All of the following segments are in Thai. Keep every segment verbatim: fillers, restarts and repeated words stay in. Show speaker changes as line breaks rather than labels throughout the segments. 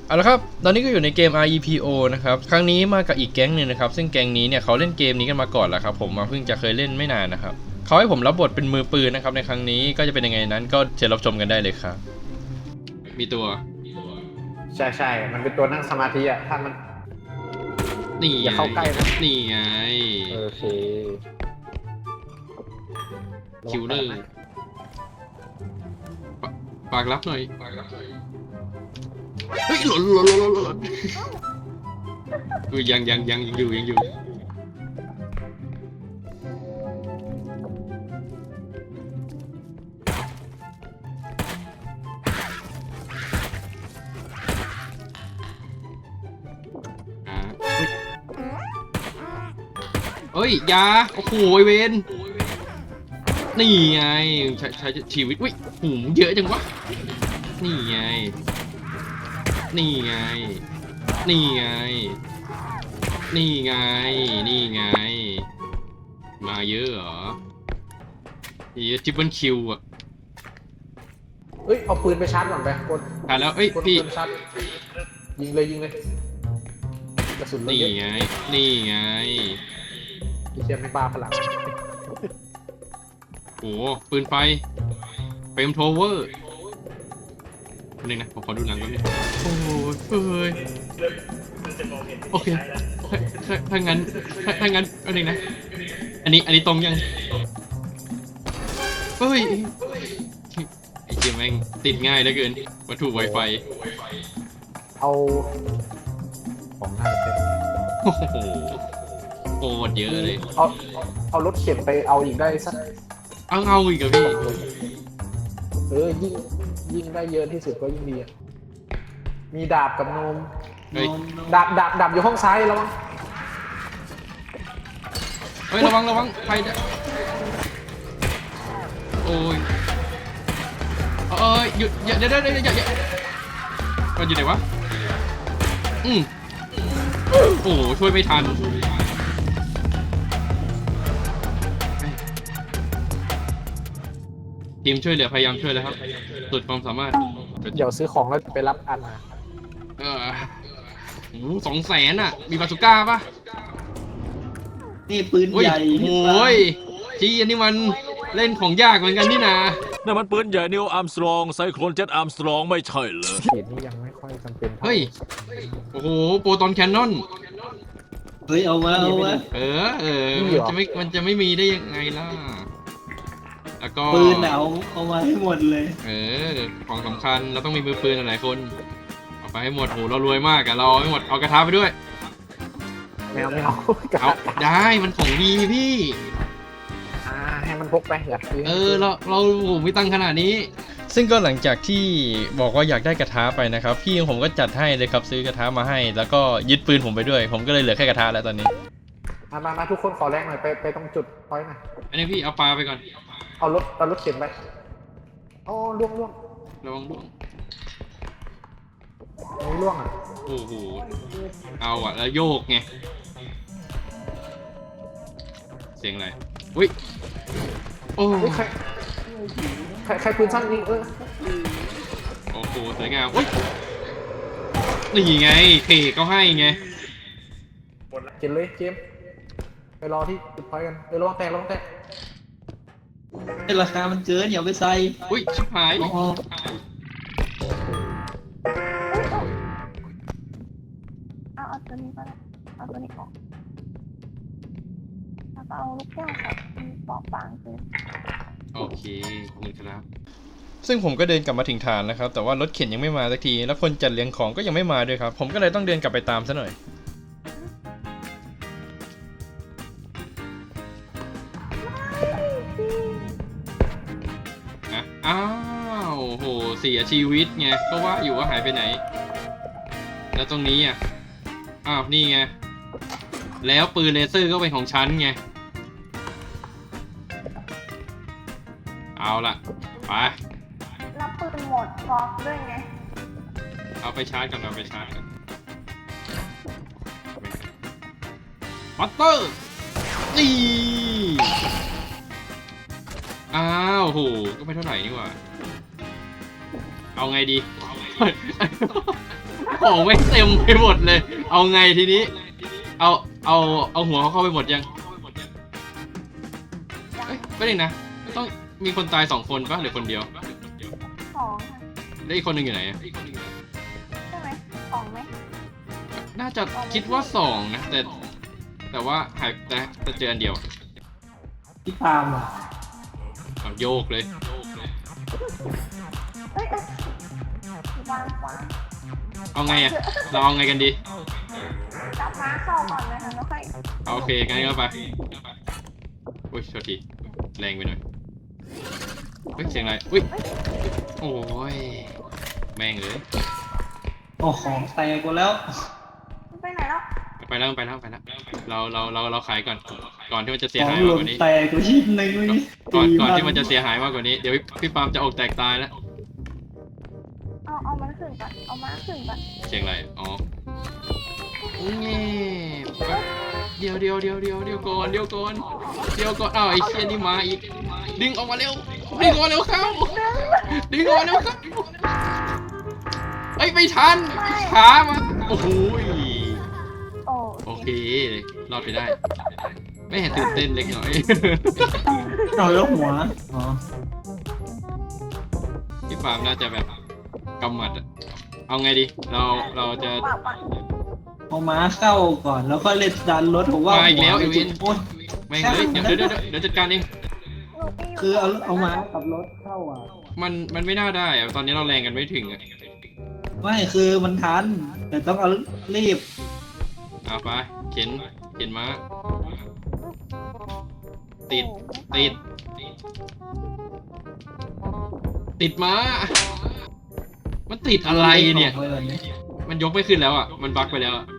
เอาละครับตอนนี้ก็อยู่ในเกม อาร์ อี พี โอ นะครับครั้งนี้มากับอีกแก๊งหนึ่งนะครับซึ่งแก๊งนี้เนี่ยเขาเล่นเกมนี้กันมาก่อนแล้วครับผมมาเพิ่งจะเคยเล่นไม่นานนะครับเขาให้ผมรับบทเป็นมือปืนนะครับในครั้งนี้ก็จะเป็นยังไงนั้นก็เชิญรับชมกันได้เลยครับมีตัว
ใช่ใช่มันเป็นตัวนั่งสมาธิอ่ะถ้ามัน
นี่
อย่าเข้าใกล้นะ
นี่ไง
โอเค
คิวเลอร์ฝากรับหน่อยเฮ้ยหล่นหล่นหล่นหล่นอุ้ยยังยังยังยังอยู่ยังอยู่เฮ้ยยาโอ้โหไอเวนนี่ไงใช้ใช้ชีวิตอุ้ยหูเยอะจังวะนี่ไงนี่ไงนี่ไงนี่ไงนี่ไงมาเยอะเหรอเยอะทริปเปิลคิวอ่ะ
เฮ้ยเอาปืนไปชาร์จก่อนไปกด
ถ่ายแล้วเอ้ยพี่
ยิงเลยยิงเลยกระสุนเลย
นี่ไงนี่ไง
พี่เชียร์ไม่บ้าพลัง
โอ้ปืนไฟเฟรมโทเวอร์นึงนะผมขอดูหนังก่อนดิโอ้ยเอ้ยโอเคถ้าถ้างั้นถ้างั้นอันนึงนะอันนี้อันนี้ตรงยังเฮ้ยไอ้เหี้ยแม่งติดง่ายเหลือเกินวัตถุ Wi-Fi
เอาของหน้าเต็ม
โอ้โหโคตรเยอะเลย
เอาเอารถเข็นไปเอาอีกได้สัก
เอาเอาอีกอะพี่
เออยิ่งยิ่งได้เยอะที่สุดก็ยิ่งดีมีดาบกับนมดาบดาบดาบอยู่ห้องซ้ายระวัง
เฮ้ยระวังระวังใครจะโอ้ยเอ้ยหยุดอย่าเดี๋ยวเดี๋ยวเดี๋ยวอย่าอย่ามันอยู่ไหนวะอืมโอ้โหช่วยไม่ทันทีมช่วยเหลือพยายามช่วยแล้วครับสุดความสามารถ
เดี๋ยวซื้อของแล้วไปรับอันมา
เออโอ้สองแสนอ่ะมีบาซูก้าป่ะ
นี่ปืนใหญ่
โอ้ยจีอันนี้มันเล่นของยากเหมือนกันนี่นะ
นั่นมันปืนใหญ่นิวอาร์มสตรองไซโคลนเจ็ตอาร์มสตรองไม่ใช่เหรอ
เขียนนี่ยังไม่ค่อยจำเป็น
เฮ้ยโอ้โหโปรตอนแคนนอน
เฮ้ยเอามาเอามา
เออเออมันจะไม่มันจะไม่มีได้ยังไงล่ะแล้วก็
ปืนเอาเอามาให้หมดเลย
เออของสำคัญเราต้องมีมือปืนหลายคนเอาไปให้หมดโหเรารวยมากอะเราไม่หมดเอากระทะไปด้วย
ไม่เอาไม่เอา
เอาได้มันของดีพี่
อ่าให้มันพกไปอยาก
เออเราเราไม่ตั้งขนาดนี้ซึ่งก็หลังจากที่บอกว่าอยากได้กระทะไปนะครับพี่ของผมก็จัดให้เลยครับซื้อกระทะมาให้แล้วก็ยึดปืนผมไปด้วยผมก็เลยเหลือแค่กระทะแล้วตอนนี้
มามามาทุกคนขอแรงหน่อยไปไปตรงจุดพอยต์หน่อย
อันนี้พี่เอาปลาไปก่อน
เอารถเอารถเข็นไปอ๋อล่วงล่วง
ระวังล่วง
ไม่ล่วงอ่ะ
โอ้โหเอาอ่ะแล้วโยกไงเสียงอะไรอุ้ยโอ้
ใครใครใครปืนสั้นนี่เออ
โอ้โหสวยงามอุ้ยนี่ไงเคก็ให้ไง
เข็นเลยเกมไปรอที่จุดพอยต์กันไปรอแตกรอแตก
ราคามันเกินอย่าไปใส่
อุ้ยชิบหาย
เอาเอาตัวนี้ก็ได้เอาตัวนี้ออกแล้วก็เอาลูกแก้วครับปอกบางคือ
โอเคนี่ครับซึ่งผมก็เดินกลับมาถึงฐานนะครับแต่ว่ารถเข็นยังไม่มาสักทีแล้วคนจัดเลี้ยงของก็ยังไม่มาด้วยครับผมก็เลยต้องเดินกลับไปตามซะหน่อยอ้าวโหเสียชีวิตไงก็ว่าอยู่ว่าหายไปไหนแล้วตรงนี้อ่ะอ้าวนี่ไงแล้วปืนเลเซอร์ก็เป็นของฉันไงเอาล่ะไป
รับปืนหมดพร้อมด้วยไง
เอาไปชาร์จกันเอาไปชาร์จกันมัตเตอร์นี่อ้าวโหก็ไม่เท่าไหร่นี่หว่าเอาไงดีของไม่เต็มไปหมดเลย เอาไงทีนี้ เอาเอาเอาหัวเขาเข้าไปหมดยังเอ้ยไม่ได้นะต้องมีคนตายสองคนปะหรือคนเดียว
สองค่ะ
แล้วอีกคนหนึ่งอยู่ไหนอะ
ใช่ไหมสองไหม
น่าจะคิดว่าสองนะแต่แต่ว่าหายแต่แต่เจออันเดียว
พี่ปาล์มอ่ะ
เอาโยกเลย
เอ้ยเอ้ย วางวาง
เอาไงอะเราเอาไงกันดี
จับม้าเข้าก่อนเลยค่ะแล้วค่อย
เอาโอเคงั้นก็ไปอุ้ยโทษทีแรงไปหน่อยเฮ้ยเสียงอะไรอุ้ยโอ้ยแม่งเลย
โอ้ของแตกหมดแล้ว
ไปไหนแล้ว
ไปแล้วไปแล้วไปแล้วเราเราเราเราขายก่อนก่อนที่มันจะเสีย
ของ
หาย
ห
มาก
ล่
ก
น
ว่านี้
แตกไปชิ้นหนึ่งเลย
ก่อนก่อนที่มันจะเสียหายมากกว่านี้เดี๋ยวพี่ปาล์มจะอกแตกตายแล้ว
เอาเอามันขึ้นก่อนเอาม้าขึ้นก่อน
เสียงอะไรอ๋อเงี้เดี๋ยวเดี๋ยวเดี๋ยวเดี๋ยวเดี๋ยวก่อนเดี๋ยวก่อนเดี๋ยวก่อนอ้าวไอ้เชี่ยนี่มาอีกดึงออกมาเร็วดึงออกมาเร็วเข้าดึงออกมาเร็วเข้าเอ้ยไม่ทันช้ามาโอ้โห
โอ้
โอเครอดไปได้ ไม่เห็นตื่นเต้นเล็กน้อย
เอาแล้วหัวอ๋อ
พี่ฟาร์มน่าจะแบบกำหมัดอะเอาไงดีเราเราจะ
ปะปะ
เอาม้าเข้าก่อนแล้วก็เล่นดันรถผมว่า
มาอีกแล้ว
หั
ไอ้วิน
โอ้ย
แม่งเลยเดี๋ยวเดี๋ยวเดี๋ยวเดี๋ยวจัดการเอง
หนูไปอยู่
คือเอาเอาม้ากับรถเข้าอ่ะ
มันมันไม่น่าได้อะตอนนี้เราแรงกันไม่ถึงอะ
ไม่คือมันทัน แต่ต้องเอารีบ
เอาไปเข็นเข็นมาติดติดติดมามันติดอะไรเนี่ย มันยกไม่ขึ้นแล้วอ่ะมันบั๊กไปแล้วอะ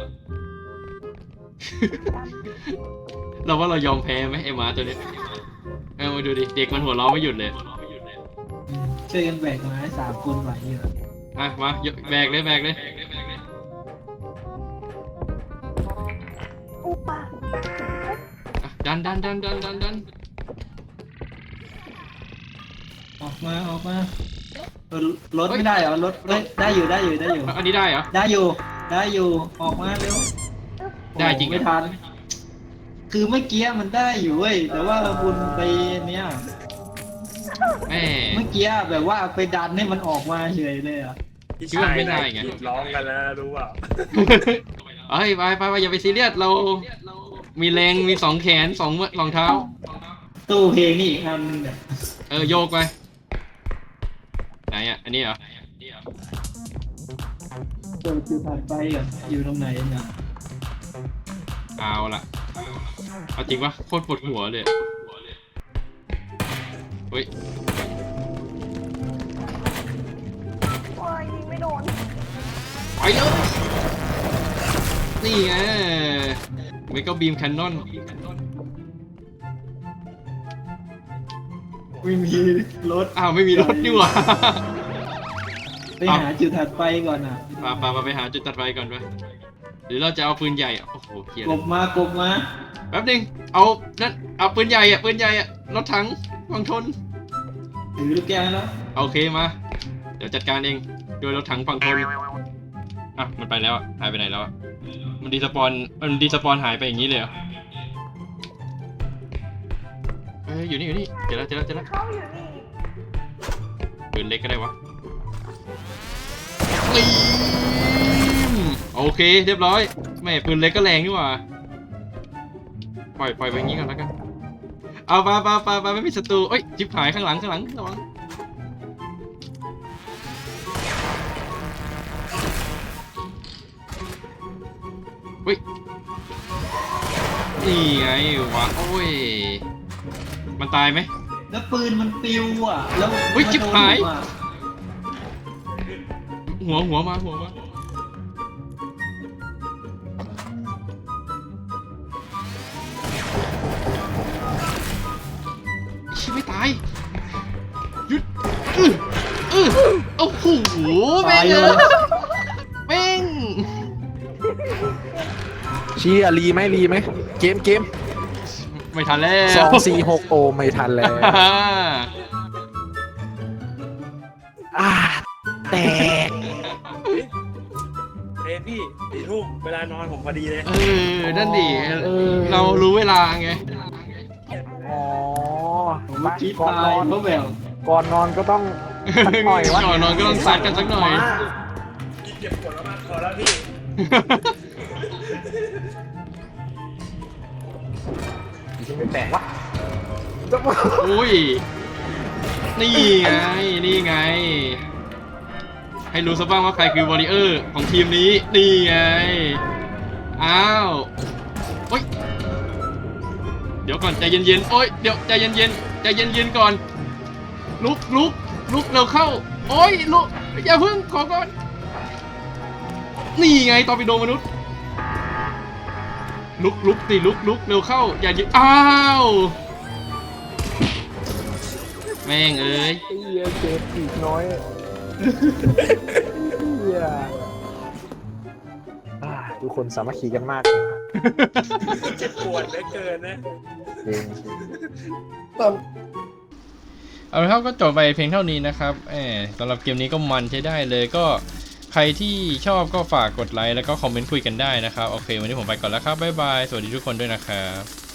เราว่าเรายอมแพ้ไหมไอ้หมาตัวนี้เออมาดูดิเด็กมันหัวเราะไม่หยุดเลย
ช่วยกันแบกไม้สามคนไหวอยู่
อ่ะมาแบกเลยแบกเลย
อุปะ
อ่ะดันดันดันดันดันดัน
ออกมาออกมาเออรถไม่ได้เหรอรถเอ้ยได้อยู่ได้อยู่ได้อยู่
อันนี้ได้เหรอ
ได้อยู่ได้อยู่ออกมาเร็ว
ได้จริงเหรอ
ไม่ทัน คือเมื่อกี้มันได้อยู่เว้ยแต่ว่าบุญไปเนี้ย
แม่
เมื่อกี้แบบว่าไปดันให้มันออกมาเฉยเลยอ่ะ
คิดว่าไม่ได้ไง
หยุดร้องกันแล้วรู้เปล่า
เฮ้ยไปไปไปอย่าไปซีเรียสเรา มีแรงมีสองแขนสองมือสองเท้า
ตู้เพลงนี่อีกอันนึงเนี่ย
เออโยกไปไหนอ่ะอันนี้เหรอ
เปิดคิวผ่านไปอ่ะอยู่ตรงไหนเนี่ย
เอาละเอาจริงปะโคตรปวดหัวเลยเฮ้ย
โอ้ยยิงไม่โดน
ไปเลยนี่ไงเมกาบีมแคนนอน
ไม่มีรถ
อ้าวไม่มีรถนี่หว่า
ไปหาจุดถัดไปก่อนอ่ะ
ปาปาไปหาจุดตัดไฟก่อนไปหรือเราจะเอาปืนใหญ่อะโอ้โหเกีย
กบมากบมา
แป๊บนึงเอานั่นเอาปืนใหญ่อะปืนใหญ่อะรถถังวังทน
ถือลูกแก้วแล้ว
โอเคมา เดี๋ยวจัดการเองโดยรถถังฝั่งทนอ่ะมันไปแล้วอะหายไปไหนแล้วอะมันดีสปอนมันดีสปอนหายไปอย่างนี้เลยเหรอเอ้ยอยู่นี่อยู่นี่เจอแล้วเจอแล้วเจอแล้ว
เข้าอยู่นี่
ปืนเล็กก็ได้วะนี่โอเคเรียบร้อยแม่ปืนเล็กก็แรงนี่หว่าปล่อยปล่อยไปอย่างนี้ก่อนแล้วกันเอาปาปาปาปาไม่มีศัตรูเอ้ยจิบหายข้างหลังข้างหลังระวังเฮ้ยนี่ไงวะโอ้ยมันตายไหม
แล้วปืนมันปิวอ่ะแล้ว
เฮ้ยจิ๊บหาย
มันโดนอ่ะ
หัวหัวมาหัวมาชิบไม่ตายหยุดอืออือโอ้โหแม่งเลยแม่ง
ชี้อะรีไหมรีไหมเกมเกม
ไม่ทันแล้ว
สองสี่หกโอไม่ทันแล้วอ่าแตก
เลยพี่สี่ทุ่มเวลานอนผมพอดีเลย
เออนั่นดิ
เออ
เรารู้เวลาไง
อ๋อ
เมื่อกี้
ก่อน
ตาน ย
อน
เพราะแบบ
ก่อนนอนก็ต้องสักหน่อยวะ
ก่อนนอนก็ต้องซัดกันสักหน่อย
พี่เก็บกดแล้วมากพอแล้วพี่
ยิงไม่แตกวะ
อุ้ย นี่ไง นี่ไง ให้รู้ซะบ้างว่าใครคือวอริเออร์ของทีมนี้ นี่ไง อ้าวโอ๊ย เดี๋ยวก่อนใจเย็นๆ โอ๊ย เดี๋ยวใจเย็นๆ ใจเย็นๆก่อน ลุกลุกลุกเร็วเข้า โอ๊ยลุกอย่าพึ่งขอก่อน นี่ไงตอร์ปิโดมนุษย์ ลุกลุกสิลุกลุกเร็วเข้า อย่ายืนอ้าว แม่งเอ้ย
ไอ้เหี้ยเจ็บอีกน้อยเหี้ยอ่าทุกคนสามัคคีกันมาก
เจ็บปวดเหลือเกินนะ
จริง
เอาละครับก็จบไปเพียงเท่านี้นะครับแหมสำหรับเกมนี้ก็มันใช้ได้เลยก็ใครที่ชอบก็ฝากกดไลค์แล้วก็คอมเมนต์คุยกันได้นะครับโอเควันนี้ผมไปก่อนแล้วครับบ๊ายบายสวัสดีทุกคนด้วยนะครับ